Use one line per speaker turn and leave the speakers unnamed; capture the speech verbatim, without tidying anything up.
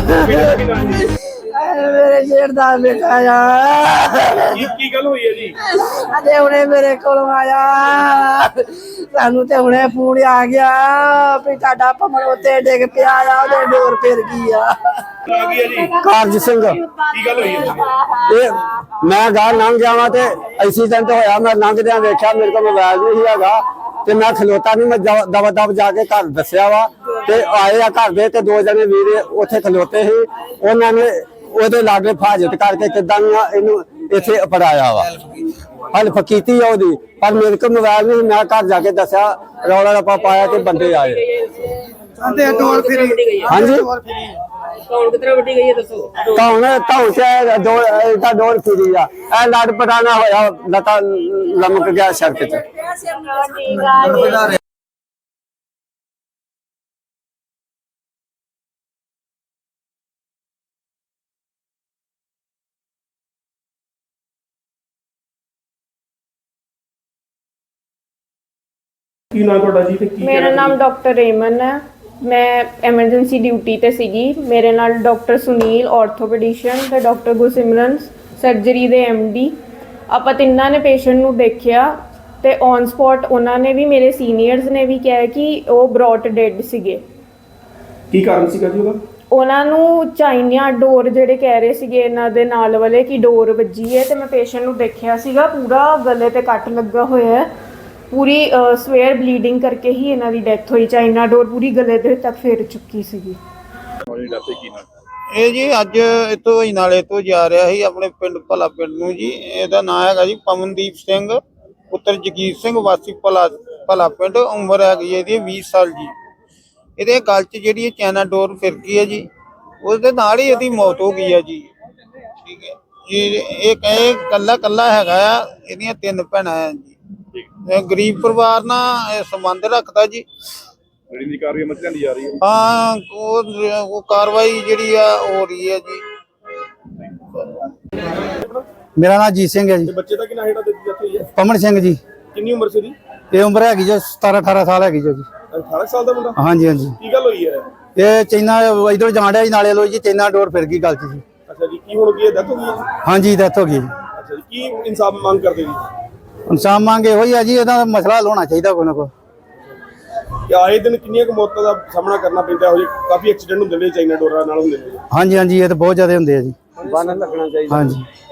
मेरे जेठ दा बेटा आ
की गल हुई है जी?
अजे हुणे मेरे कोल आया सानू ते हुणे फोन आ गया भी तुहाडा भमर उत्ते डिग पिया आ ओदे डोर फिर गई आ।
कारज सिंह
की गल हुई है?
ये मैं गाह लंघ जावा ते एक्सीडेंट होया। मैं लंघदिया वेख्या मेरे को मोबाइल नहीं हैगा ते मैं खलोता नहीं। मैं दवा दब जाके घर दसिया वा ते आए आ घर दे ते दो जने वीर उत्थे खलोते ही उन्हां ने ओदे लागे फाजत करके किदां इनू इत्थे अपड़ाया वा हेल्प कीती ओदी पर मेरे को मोबाइल नहीं। मैं घर जाके दसिया रौला रप्पा पाया ते बंदे आए। हाँ जी
कौन कितना वड्डी गई है दसो
कौन कौन से दो इधर डोर फिरी आ ए लड़ पटाना होया लता लमक गया सड़क ते।
की नाम ਤੁਹਾਡਾ ਜੀ ਤੇ ਕੀ
मेरा नाम डॉक्टर रेमन है। मैं एमरजेंसी ड्यूटी ते सीगी। मेरे नाल डॉक्टर सुनील ऑर्थोपेडिशियन ते डॉक्टर गुरसिमरन सर्जरी दे एमडी ਆਪਾਂ ਤਿੰਨਾਂ ਨੇ ਪੇਸ਼ੈਂਟ ਨੂੰ ਦੇਖਿਆ ਤੇ ਔਨ ਸਪੌਟ ਉਹਨਾਂ ਨੇ ਵੀ ਮੇਰੇ ਸੀਨੀਅਰਸ ਨੇ ਵੀ ਕਿਹਾ ਕਿ ਉਹ ਬ੍ਰੌਟ ਡੈਡ ਸੀਗੇ।
ਕੀ ਕਾਰਨ ਸੀਗਾ ਜੀ ਉਹਦਾ?
ਉਹਨਾਂ ਨੂੰ ਚਾਈਨਾ ਡੋਰ ਜਿਹੜੇ ਕਹਿ ਰਹੇ ਸੀਗੇ ਇਹਨਾਂ ਦੇ ਨਾਲ ਵਾਲੇ ਕਿ ਡੋਰ ਵੱਜੀ ਹੈ ਤੇ ਮੈਂ ਪੇਸ਼ੈਂਟ ਨੂੰ ਦੇਖਿਆ ਸੀਗਾ ਪੂਰਾ ਗਲੇ ਤੇ ਕੱਟ ਲੱਗਾ ਹੋਇਆ ਹੈ। पूरी सवेयर ब्लीडिंग करके ही इन्हां दी डेथ हुई। चाइना डोर पूरी गले दे तक फिर चुकी सीगी।
ਇਹ ਜੀ ਅੱਜ ਇਤੋਂ ਹੀ ਨਾਲੇ ਤੋਂ ਜਾ ਰਿਹਾ ਸੀ ਆਪਣੇ ਪਿੰਡ ਭਲਾ ਪਿੰਡ ਨੂੰ ਜੀ। ਇਹਦਾ ਨਾਮ ਹੈਗਾ ਜੀ ਪਵਨਦੀਪ ਸਿੰਘ ਪੁੱਤਰ ਜਗੀਰ ਸਿੰਘ ਵਾਸੀ ਭਲਾ ਭਲਾ ਪਿੰਡ। ਉਮਰ ਹੈਗੀ ਇਹਦੀ ਵੀਹ ਸਾਲ ਜੀ। ਇਹਦੇ ਗਲ 'ਚ ਜਿਹੜੀ ਚਾਈਨਾ ਡੋਰ ਫਿਰ ਗਈ ਹੈ ਜੀ ਉਹਦੇ ਨਾਲ ਹੀ ਇਹਦੀ ਮੌਤ ਹੋ ਗਈ ਹੈ ਜੀ। ਠੀਕ ਹੈ ਜੀ। ਇਹ ਕਹੇ ਕੱਲਾ ਕੱਲਾ ਹੈਗਾ ਆ। ਇਹਦੀਆਂ ਤਿੰਨ ਭੈਣਾਂ ਆ ਜੀ। गरीब परिवार ना संबंध रखता जी। हाँ वो कार्रवाई जी हो रही है जी।
मेरा नाम जीत सिंह है जी।
बच्चे का कितना है?
पमन सिंह जी।
कितनी उम्र से जी?
ये उम्र है जो सतारह अठारह साल है जो जी।
अठारह साल का मुंडा?
हाँ जी हाँ जी।
की गल हुई है?
ये चाइना इधर जान रहा नाले लो जी चाइना डोर फिर गई गल जी।
अच्छा जी। की हो गई है? डेथ हो गई है?
हाँ जी डेथ हो गई।
अच्छा जी। की इंसाफ मांग करते जी?
इंसाफ मांगे हो जी ਇਹਦਾ ਮਸਲਾ ਹੱਲ ਹੋਣਾ ਚਾਹੀਦਾ ਕੋਈ ਨਾ ਕੋਈ।
ਆਏ ਦਿਨ ਕਿੰਨੀਆਂ ਕੁ ਮੌਤਾਂ ਦਾ ਸਾਹਮਣਾ ਕਰਨਾ ਪੈਂਦਾ ਹੋ ਜੀ? ਕਾਫੀ ਐਕਸੀਡੈਂਟ ਹੁੰਦੇ ਨੇ ਚਾਈਨਾ ਡੋਰਾਂ ਨਾਲ ਹੁੰਦੇ ਨੇ।
ਹਾਂਜੀ ਹਾਂਜੀ ਇਹ ਤਾਂ ਬਹੁਤ ਜ਼ਿਆਦਾ ਹੁੰਦੇ ਆ ਜੀ।
ਬੰਨ ਲੱਗਣਾ ਚਾਹੀਦਾ।
ਹਾਂਜੀ।